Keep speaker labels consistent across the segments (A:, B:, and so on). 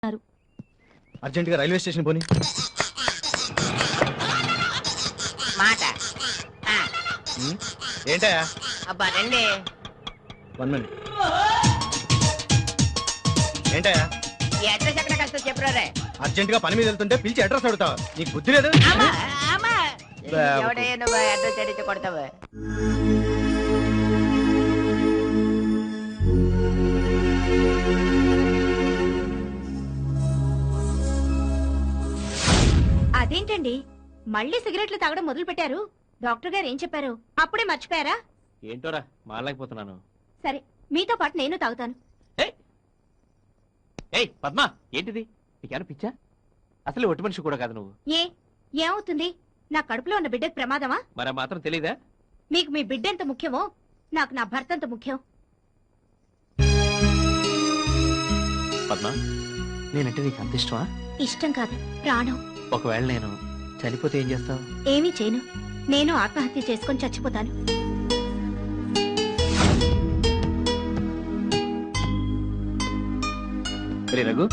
A: Urgent గా railway station పోనీ.
B: మాట
A: ఏంటా?
B: అబ్బా రండి.
A: 1 minute. ఏంటా?
B: ఈ అడ్రస్ ఎక్కడ కష్టం చెప్పురా.
A: అర్జెంట్ గా పని మీద వెళ్తుంటే పిలిచి అడ్రస్ అడుగుతావు, నీకు బుద్ధి లేదు?
B: ఎవడయ్యా నువ్వు అడ్రస్ అడిగితే కొడతావు?
C: అదేంటండి మళ్ళీ సిగరెట్లు తాగడం మొదలు పెట్టారు? డాక్టర్ గారు ఏం చెప్పారు? అప్పుడే మర్చిపోయారా?
A: ఏంటోరా మారలేకపోతున్నాను.
C: సరే మీతో పాటు నేను తాగుతాను.
A: పద్మా, ఏంటిది? నీకేమైనా పిచ్చా? అసలు ఒట్టి మనిషి కూడా కాదు నువ్వు.
C: ఏమవుతుంది? నా కడుపులో ఉన్న బిడ్డకు ప్రమాదమా?
A: మరి మాత్రం తెలీదా?
C: మీకు మీ బిడ్డ ఎంత ముఖ్యమో నాకు నా భర్త అంత ముఖ్యం.
A: పద్మా, నేనంటే నీకు అంత ఇష్టమా?
C: ఇష్టం కాదు, ప్రాణం.
A: ఒకవేళ నేను చనిపోతే ఏం చేస్తావు?
C: ఏమీ చేయను. నేను ఆత్మహత్య చేసుకొని చచ్చిపోతాను.
A: రఘు,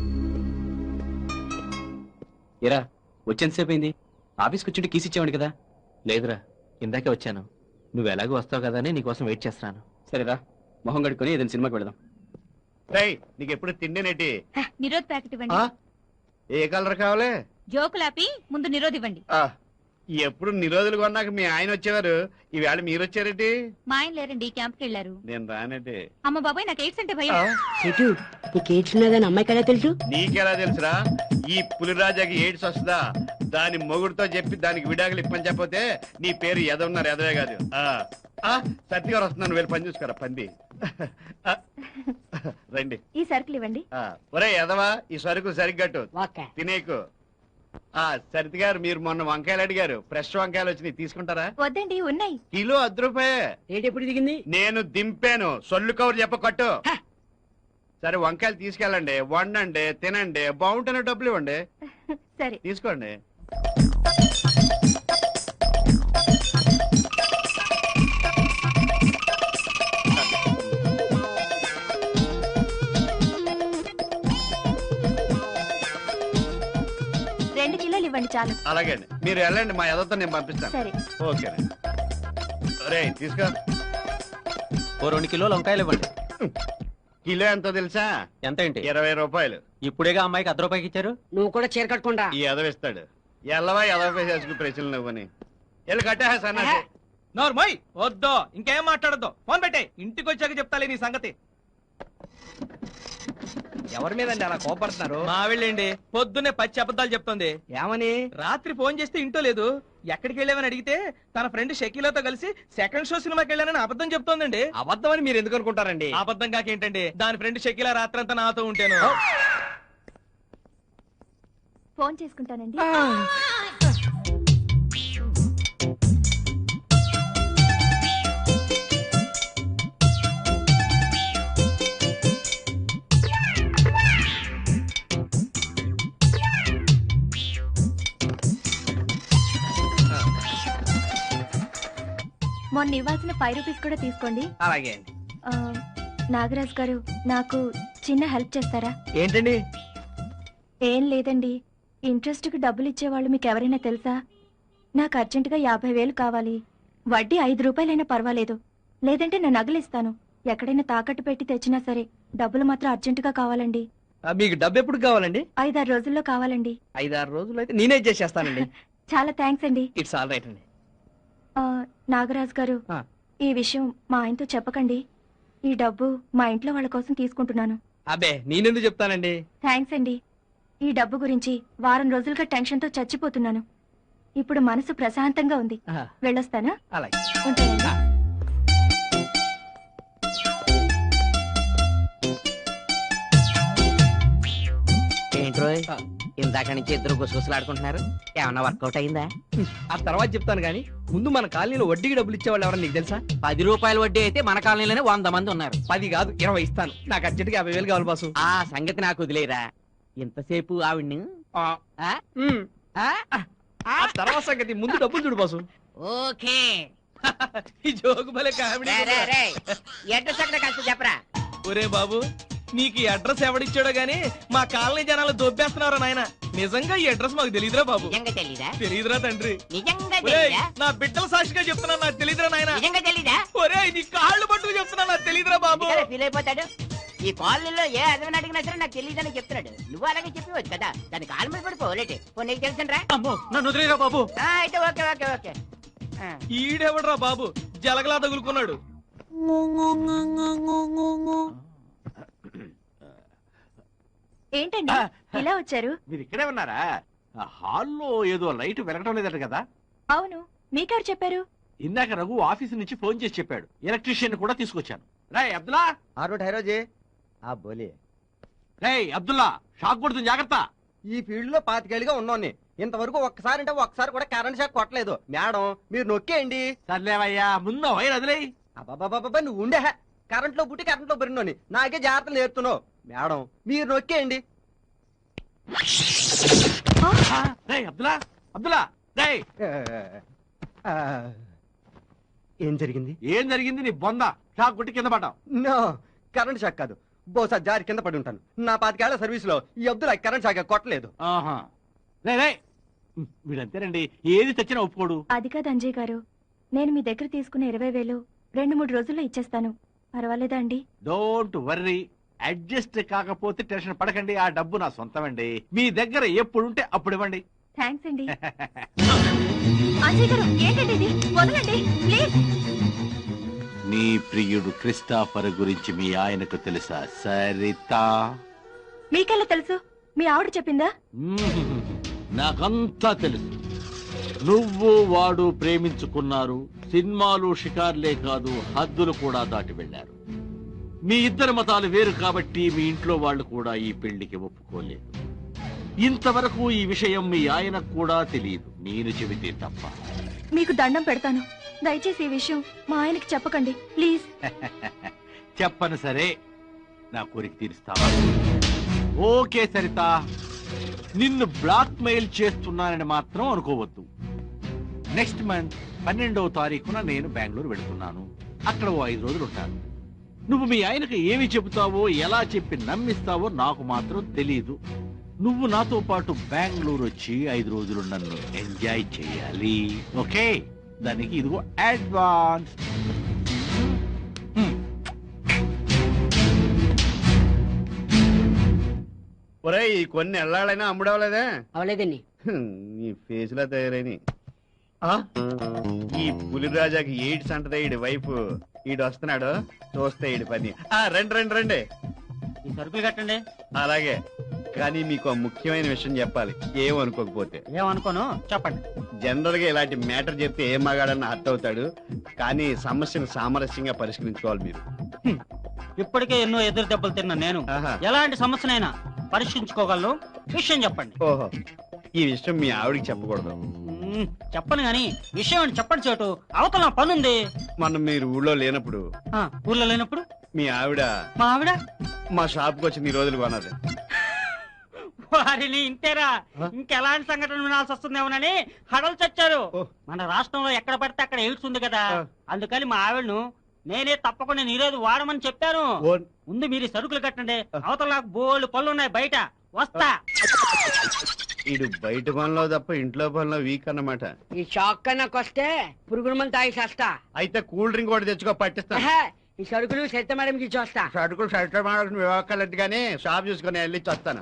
A: ఎరా వచ్చేంతసేపు అయింది? ఆఫీస్కి వచ్చి కీస్ ఇచ్చేవాడి కదా? లేదురా, ఇందాకే వచ్చాను. నువ్వు ఎలాగో వస్తావు కదా అని నీకోసం వెయిట్ చేస్తున్నాను. సరేరా, మొహం కడుక్కొని ఏదైనా సినిమాకి వెళదాం.
D: నీకు ఎప్పుడు తిండేనేటి?
C: నిరోధ్ ప్యాకెట్ ఇవ్వండి.
D: ఏ కలర్ కావాలి?
C: జోకులాపి ముందు నిరోధ్ ఇవ్వండి.
D: ఎప్పుడు నిరోధులు కొన్నాక మీ ఆయన వచ్చేవారు, ఈవేళ మీరు వచ్చారేటి?
C: మా ఆయన లేరండి, క్యాంప్కి వెళ్ళారు.
D: నేను రానేటి.
C: అమ్మ బాబాయ్, నాకు ఎయిడ్స్ అంటే భయం.
B: నీకు ఎయిడ్స్ ఉన్నదని అమ్మాయి కదా తెలుసు?
D: నీకెలా తెలుసురా? ఈ పులిరాజాకి ఎయిడ్స్ వస్తుందా? దాని మొగుడుతో చెప్పి దానికి విడాకులు ఇప్పని చెప్పతే నీ పేరు ఎదవున్నారు, ఎదవే కాదు. సత్తి గారు వస్తున్నాను, వెళ్ళి పని చూసుకోరా పంది. రండి.
C: ఈ సరుకులు ఇవ్వండి.
D: ఒరే ఎదవా, ఈ సరుకు సరిగ్గట్టు తినేకు. సరితి గారు, మీరు మొన్న వంకాయలు అడిగారు, ఫ్రెష్ వంకాయలు వచ్చినాయి, తీసుకుంటారా?
C: వద్దండి, ఉన్నాయి.
D: కిలో 10 రూపాయే.
B: రేట్ ఎప్పుడు దిగింది?
D: నేను దింపాను, సొల్లు కవర్ చెప్ప కట్టు. సరే వంకాయలు తీసుకెళ్ళండి, వండండి, తినండి, బాగుంటేనే డబ్బులు ఇవ్వండి.
C: సరే
D: తీసుకోండి.
C: కిలోలు ఇవ్వండి చాలు.
D: అలాగే అండి, మీరు వెళ్ళండి, మా ఎదతో నేను పంపిస్తాను.
C: సరే
D: ఓకే. అరే తీసుకో.
A: 2 కిలోలు వంకాయలు ఇవ్వండి.
D: కిలో ఎంతో తెలుసా?
A: ఎంత ఏంటి?
D: 20 రూపాయలు.
A: ఇప్పుడేగా అమ్మాయికి 10 రూపాయకి ఇచ్చారు.
B: నువ్వు కూడా చీర కట్టుకుంటా.
D: ఈ ఎదవిస్తాడు. ఎల్లవా ఎదవ చేసుకు ప్రశ్నలు నువ్వని వెళ్ళి కట్టా సన్నాసి.
E: నోర్మోయ్, వద్దో ఇంకేం మాట్లాడద్దు. ఫోన్ పెట్టే, ఇంటికి వచ్చాక చెప్తాలే నీ సంగతి.
F: ఎవరి మీదండి అలా కోపడుతున్నారు?
E: మా వెళ్ళండి, పొద్దున్నే పచ్చి అబద్ధాలు చెప్తుంది.
F: ఏమని?
E: రాత్రి ఫోన్ చేస్తే ఇంటో లేదు. ఎక్కడికి వెళ్ళామని అడిగితే తన ఫ్రెండ్ షకీలాతో కలిసి సెకండ్ షో సినిమాకి వెళ్ళానని అబద్ధం చెప్తోందండి.
F: అబద్ధం అని మీరు ఎందుకు అనుకుంటారండి?
E: అబద్ధం కాకేంటండి, దాని ఫ్రెండ్ షకీలా రాత్రంతా నాతో ఉంటాను.
C: ఫోన్ చేసుకుంటానండి. మొన్న ఇవ్వాల్సిన 5 రూపీస్ కూడా తీసుకోండి.
F: అలాగే అండి.
C: నాగరాజ్ గారు, నాకు చిన్న హెల్ప్ చేస్తారా?
F: ఏంటండి?
C: ఏం లేదండి, ఇంట్రెస్ట్ కి డబ్బులు ఇచ్చేవాళ్ళు మీకు ఎవరైనా తెలుసా? నాకు అర్జెంటుగా 50,000 కావాలి. వడ్డీ 5 రూపాయలైనా పర్వాలేదు, లేదంటే నేను నగలిస్తాను. ఎక్కడైనా తాకట్టు పెట్టి తెచ్చినా సరే డబ్బులు మాత్రం అర్జెంటుగా కావాలండి.
F: మీకు డబ్బు ఎప్పుడు కావాలండి?
C: 5-6 రోజుల్లో కావాలండి.
F: 5-6 రోజులు అయితే నేనే చేసేస్తానండి.
C: చాలా థ్యాంక్స్ అండి.
F: ఇట్స్ ఆల్ రైట్ అండి.
C: నాగరాజ్ గారు, ఈ విషయం మా ఆయనతో చెప్పకండి. ఈ డబ్బు మా ఇంట్లో వాళ్ళ కోసం తీసుకుంటున్నాను.
F: అబ్బే, నేనెందుకు చెప్తానండి?
C: థ్యాంక్స్ అండి. ఈ డబ్బు గురించి వారం రోజులుగా టెన్షన్ తో చచ్చిపోతున్నాను. ఇప్పుడు మనసు ప్రశాంతంగా ఉంది. వెళ్ళొస్తానా?
F: అలాగే.
C: ఉంటానండి.
B: ఏంట్రో ఇందాక నుంచి ఇద్దరు గుసగుసలాడుకుంటున్నారు, ఏమన్నా వర్కౌట్ అయిందా?
F: ఆ తర్వాత చెప్తాను గానీ ముందు మన కాలనీలో వడ్డీకి డబ్బులు ఇచ్చేవాళ్ళు ఎవరన్నా నీకు తెలుసా?
B: 10 రూపాయల వడ్డీ అయితే మన కాలనీలోనే 100 మంది ఉన్నారు.
F: 10 కాదు 20 ఇస్తాను. నాకు అర్జెంట్గా 50,000 కావాలి బాసు.
B: ఆ సంగతి నాకు వదిలేరా. ఇంతసేపు ఆవిడ్ని
F: తర్వాత సంగతి ముందు డబ్బులు చూడు బాసు.
B: ఓకే.
E: ఈ జోకు భలే కామెడీ.
B: ఎడ్డు సగడ కాస్త చెప్పరా.
E: ఒరే బాబు, నీకు ఈ అడ్రస్ ఎవడిచ్చాడో గానీ మా కాలనీ జనాలు దొబ్బేస్తున్నారు నాయన. నిజంగా ఈ అడ్రస్ మాకు తెలియదురా బాబు.
B: నిజంగా తెలీదా?
E: తెలియదురా తండ్రి.
B: నిజంగా
E: ఒరేయ్,
B: తెలీదా?
E: నా బిడ్డల సాక్షిగా చెప్తున్నా నాకు తెలియదురా నాయన.
B: నిజంగా తెలీదా?
E: ఒరే నీ కాళ్ళు పట్టుకు చెప్తున్నా నాకు తెలియదురా బాబు.
B: ఫీల్ అయిపోతాడు. ఈ కాలనీలో ఏ అదవని అడిగినా సరే నాకు తెలియదని చెప్తున్నాడు. నువ్వు అలాగే చెప్పవచ్చు కదా, దాని కాలు మీద పడిపోలేటి. నీకు తెలుసరా?
A: అమ్మో నన్ను వదిలేరా బాబు.
B: అయితే ఓకే ఓకే ఓకే.
E: ఈడెవడరా బాబు జలగలా తగులుకున్నాడు.
C: ఏంటండి ఇలా వచ్చారు?
D: మీరు ఇక్కడే ఉన్నారా? హాల్లో ఏదో లైట్ వెలగటం లేదట కదా?
C: అవును, మీకెవరు చెప్పారు?
D: ఇందాక రఘు ఆఫీస్ నుంచి ఫోన్ చేసి చెప్పాడు. ఎలక్ట్రీషియన్ కూడా తీసుకొచ్చాను. రాయ్ అబ్దుల్లా, రేయ్ అబ్దుల్లా, షాక్ కొడుతుంది జాగ్రత్త.
F: ఈ ఫీల్డ్ లో 25 ఏళ్ళుగా ఉన్నోన్ని ఇంతవరకు ఒక్కసారి అంటే ఒక్కసారి కూడా కరెంట్ షాక్ కొట్టలేదు. మేడం మీరు నొక్కేయండి.
D: సర్లేవయ్యా, ముందు వైర్ వదిలేయ్.
F: అబ్బాబాబా నువ్వు ఉండే కరెంట్ లో పుట్టి కరెంట్ లో పెరిగినోని నాకే జాగ్రత్తలు నేర్తున్నావు. మేడం మీరు నొక్కేయండి.
D: రేయ్ అబ్దుల్లా, అబ్దుల్లా రేయ్.
F: ఏం జరిగింది?
D: ఏం జరిగింది? నీ బొంద షాక్ కొట్టి కింద పడ్డావు.
F: నో, కరెంట్ షాక్ కాదు. బహుశా జారి కింద పడి ఉంటాను. నా 25 ఏళ్ల సర్వీస్ లో ఈ అబ్దుల్ కరెంట్ షాక్ కొట్టలేదు.
D: ఆహా, రేయ్ వీడంతేనండి, ఏది తెచ్చినా ఒప్పుకోడు.
C: అది కాదు అంజయ్ గారు, నేను మీ దగ్గర తీసుకున్న 20,000 2-3 రోజుల్లో ఇచ్చేస్తాను. పర్వాలేదా అండి?
D: డోంట్ వర్రీ, అడ్జస్ట్ కాకపోతే టెన్షన్ పడకండి. ఆ డబ్బు నా సొంతమండి. మీ దగ్గర ఎప్పుడుంటే అప్పుడు ఇవ్వండి.
C: థ్యాంక్స్ అండి. అంజయ్ గారు ఏంటండి ఇది? వదలండి ప్లీజ్.
D: నీ ప్రియుడు క్రిస్టాఫర్ గురించి మీ ఆయనకు తెలుసా సరిత?
C: మీకెలా తెలుసు? మీ ఆవిడ చెప్పిందా?
D: నాకంతా తెలుసు. నువ్వు వాడు ప్రేమించుకున్నారు. సినిమాలు షికార్లే కాదు, హద్దులు కూడా దాటి వెళ్లారు. మీ ఇద్దరి మతాలు వేరు కాబట్టి మీ ఇంట్లో వాళ్ళు కూడా ఈ పెళ్లికి ఒప్పుకోలేదు. ఇంతవరకు ఈ విషయం మీ ఆయనకు కూడా తెలియదు, నేను చెబితే తప్ప.
C: మీకు దండం పెడతాను, దయచేసి ఈ విషయం మా ఆయనకి చెప్పకండి ప్లీజ్.
D: చెప్పను సరే, నా కోరిక తీరుస్తావా? ఓకే సరిత, నిన్ను బ్లాక్ మెయిల్ చేస్తున్నానని మాత్రం అనుకోవద్దు. నెక్స్ట్ మంత్ 12వ తారీఖున నేను బెంగళూరు వెళుతున్నాను. అక్కడ ఓ 5 రోజులు ఉంటాను. నువ్వు మీ ఆయనకు ఏమి చెబుతావో, ఎలా చెప్పి నమ్మిస్తావో నాకు మాత్రం తెలీదు. నువ్వు నాతో పాటు బెంగళూరు వచ్చి 5 రోజులు నన్ను ఎంజాయ్ చేయాలి. ఓకే, దానికి ఇదిగో అడ్వాన్స్. ఒరే, ఈ కొన్ని ఎల్లాడైనా అమ్ముడవలేదా?
B: అవలేదండి.
D: నీ ఫేస్ లో తయారైన ఈ పులిరాజాకి ఎయిడ్స్ అంటదే ఈడి వైపు. ఈడు వస్తున్నాడు, చూస్తే ఈడి పని. రండి రండి రండి,
B: ఈ సరుకులు కట్టండి.
D: అలాగే, కానీ మీకు ముఖ్యమైన విషయం చెప్పాలి, ఏమనుకోకపోతే.
B: ఏమనుకోను, చెప్పండి.
D: జనరల్ గా ఇలాంటి మ్యాటర్ చెప్తే ఏం మగాడన్న హర్ట్ అవుతాడు, కానీ సమస్యను సామరస్యంగా పరిష్కరించుకోవాలి మీరు.
B: ఇప్పటికే ఎన్నో ఎదురు దెబ్బలు తిన్నా నేను.
D: ఆహా.
B: ఎలాంటి సమస్యనైనా పరిష్కరించుకోగలను. విషయం చెప్పండి.
D: ఓహో, ఈ విషయం మీ ఆవిడికి చెప్పకూడదు.
B: చెప్పను గాని విషయం అని చెప్పండి. చోటు అవతల నా పనుంది.
D: మనం మీరు ఊళ్ళో లేనప్పుడు,
B: ఊర్లో లేనప్పుడు
D: మీ ఆవిడ
B: మా ఆవిడ
D: మా షాప్ కు వచ్చి నీ రోజులు కొన్నది.
B: వారిని ఇంతేరా, ఇంకెలాంటి సంఘటనలు వినాల్సి వస్తుందేమోనని హడలు చచ్చారు. మన రాష్ట్రంలో ఎక్కడ పడితే అక్కడ ఎయిడ్స్ ఉంది కదా, అందుకని మా ఆవిడను నేనే తప్పకుండా నీరేది వాడమని చెప్పాను. ముందు మీరు సరుకులు కట్టండి, అవతల నాకు బోల్డ్ పనులు ఉన్నాయి బయట. వస్తా.
D: ఇడు బయట పనిలో తప్ప ఇంట్లో పనిలో వీక్ అన్నమాట.
G: ఈ షాక్ నాకు వస్తే పురుగుల మంది తాగి చేస్తా.
D: అయితే కూల్ డ్రింక్ కూడా తెచ్చుకో, పట్టిస్తా.
G: ఈ సరుకులు సత్య మేడంకి ఇచ్చొస్తా.
D: సరుకులు సరిగ్గా మాడాల్సిన వివాహాలు కానీ షాప్ చూసుకుని వెళ్ళి వస్తాను.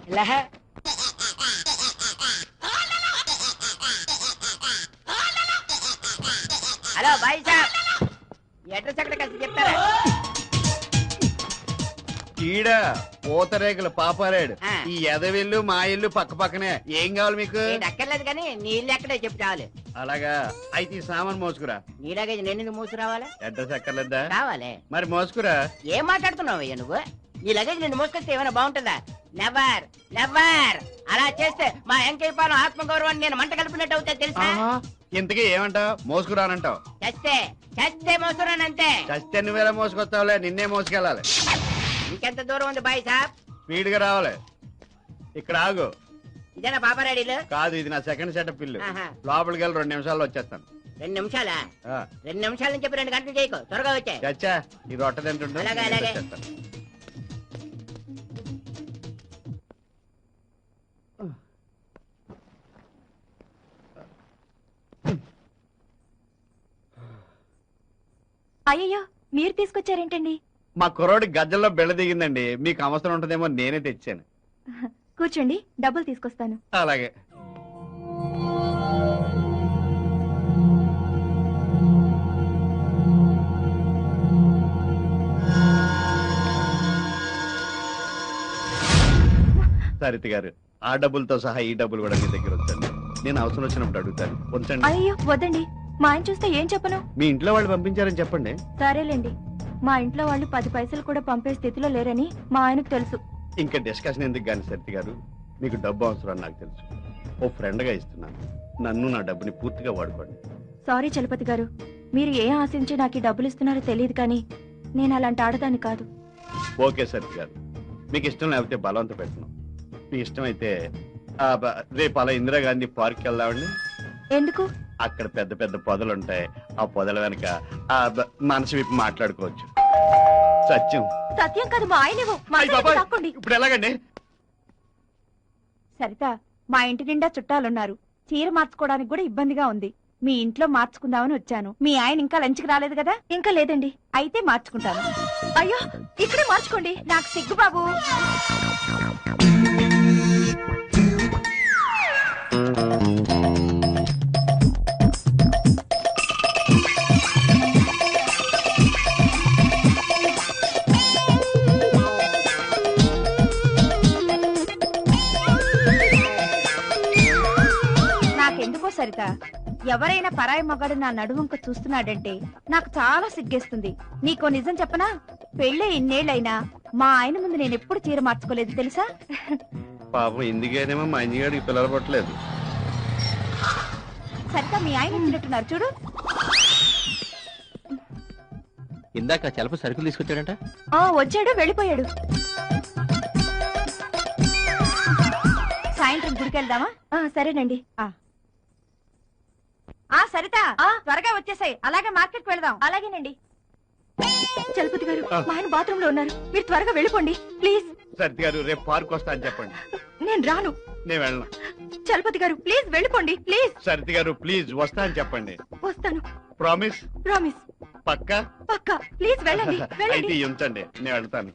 B: హలో బాయ్ సార్, అడ్రస్ ఎక్కడ కలిసి చెప్తారా?
D: ఈడ పూతరేకులు పాపారాడు. ఈ ఎదవిల్లు మా ఇల్లు పక్క పక్కనే. ఏం కావాలి మీకు?
B: అక్కర్లేదు కానీ నీళ్ళు ఎక్కడే చెప్పు చాలు.
D: అలాగా, అయితే ఈ సామాన్ మోసుకురా.
B: నీలాగే నేను మోసుకురావాలా?
D: అడ్రస్ ఎక్కర్లేదా?
B: కావాలి.
D: మరి మోసుకురా.
B: ఏం మాట్లాడుతున్నావు అయ్యా నువ్వు? నీ లగేజ్ నిన్ను మోసుకొస్తే ఏమైనా బాగుంటుందా? Never never. అలా చేస్తే మా వెంకయ్య పాలెం ఆత్మగౌరవాన్ని నేను మంట కలిపినట్టు అవుతాయి తెలుసా?
D: ఇంతకీ ఏమంటావు? మోసుకురానంటావు?
B: చస్తే చస్తే మోసుకురానంతే.
D: చస్తే నువ్వేలా మోసుకొస్తావులే, నిన్నే మోసుకెళ్ళాలి.
B: ఇంకెంత దూరం ఉంది బాయ్ సాబ్?
D: స్పీడ్ గా రావాలి. ఇక్కడ ఆగు.
B: ఇదేనా పాపారాడీలు?
D: కాదు, ఇది నా సెకండ్ సెటప్ ఇల్లు. లోపలికి వెళ్ళి 2 నిమిషాల్లో వచ్చేస్తాను.
B: 2 నిమిషాలా? 2 నిమిషాల నుంచి 2 గంటలు చేయకు, త్వరగా వచ్చాయి.
D: చచ్చా, ఈ రొట్టె తింటుంటే
B: అలాగే అలాగే.
C: అయ్యయ్యో మీరు తీసుకొచ్చారేంటండి?
H: మా కుర్రోడి గజ్జల్లో బెళ్ళ దిగిందండి, మీకు అవసరం ఉంటుందేమో నేనే తెచ్చాను.
C: కూర్చోండి, డబ్బులు తీసుకొస్తాను.
H: అలాగే. సరిత గారు, ఆ డబ్బులతో సహా ఈ డబ్బులు కూడా మీ దగ్గర ఉంచండి. నేను అవసరం వచ్చినప్పుడు అడుగుతాను. ఉంచండి.
C: అయ్యో వద్దండి, మా ఆయన చూస్తే ఏం చెప్పను?
H: మీ ఇంట్లో వాళ్ళు పంపించారని చెప్పండి.
C: సరేలేండి, మా ఇంట్లో వాళ్ళు 10 పైసలు కూడా పంపే స్థితిలో లేరని మా ఆయనకు తెలుసు.
H: ఇంకా డిస్కషన్ ఎందుకు కానీ సరిత గారు, మీకు డబ్బు అవసరం అని నాకు తెలుసు. ఓ ఫ్రెండ్ గా ఇస్తున్నాను, నన్ను నా డబ్బుని పూర్తిగా వాడుకోండి.
C: సారీ చలపతి గారు, మీరు ఏం ఆశించి నాకు ఈ డబ్బులు ఇస్తున్నారో తెలియదు కానీ నేను అలాంటి ఆడదాన్ని కాదు.
H: ఓకే సరిత గారు, మీకు ఇష్టం లేకపోతే బలవంత పెట్టను. మీ ఇష్టం అయితే రేపు అలా ఇందిరాగాంధీ పార్క్ వెళ్దామండి.
C: ఎందుకు?
H: అక్కడ పెద్ద పెద్ద పొదలు ఉంటాయి, ఆ పొదల వెనక మనసు విప్పి మాట్లాడుకోవచ్చు. సత్యం.
C: సత్యం కాదు, మా ఆయనేమో.
H: ఇప్పుడు ఎలాగండి?
C: సరిత, మా ఇంటి నిండా చుట్టాలున్నారు, చీర మార్చుకోవడానికి కూడా ఇబ్బందిగా ఉంది. మీ ఇంట్లో మార్చుకుందామని వచ్చాను. మీ ఆయన ఇంకా లంచ్కి రాలేదు కదా? ఇంకా లేదండి. అయితే మార్చుకుంటాను. అయ్యో, ఇక్కడే మార్చుకోండి, నాకు సిగ్గు బాబు. నాకెందుకో సరిత, ఎవరైనా పరాయి మగాడు నా నడువంక చూస్తున్నాడంటే నాకు చాలా సిగ్గేస్తుంది. నీకో నిజం చెప్పనా? పెళ్ళే ఇన్నేళ్లైనా మా ఆయన ముందు నేను ఎప్పుడు చీర మార్చుకోలేదు తెలుసా?
H: పాపం ఇందుకేనేమో మా ఇంజిగాడికి పిల్లలు పట్టలేదు.
C: సరిత, మీ ఆయన వచ్చినట్టున్నారు చూడు.
A: ఇందాక చలప సరుకులు తీసుకొచ్చాడంట.
C: వచ్చాడు, వెళ్ళిపోయాడు. సాయంత్రం గుడికి వెళ్దామా? సరేనండి. సరిత, త్వరగా వచ్చేసాయి. అలాగే మార్కెట్ కి వెళ్దాం. అలాగేనండి. చలపతి గారు, మా ఆయన బాత్రూమ్ లో ఉన్నారు, మీరు త్వరగా వెళ్ళిపోండి ప్లీజ్.
H: సరిత గారు, రేపు పార్క్ వస్తా అని చెప్పండి.
C: నేను రాను.
H: నేను వెళ్ళను.
C: చలపతి గారు ప్లీజ్ వెళ్ళిపోండి ప్లీజ్.
H: సరిత గారు ప్లీజ్ వస్తా అని చెప్పండి.
C: వస్తాను.
H: ప్రామిస్?
C: ప్రామిస్.
H: పక్కా?
C: పక్కా. ప్లీజ్ వెళ్ళండి.
H: అయితే ఉంచండి, నేను వెళ్తాను.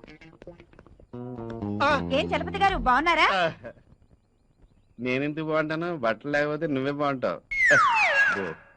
C: ఏం చలపతి గారు బాగున్నారా?
H: నేనెందుకు బాగుంటాను? బట్టలు లేకపోతే నువ్వే బాగుంటావు.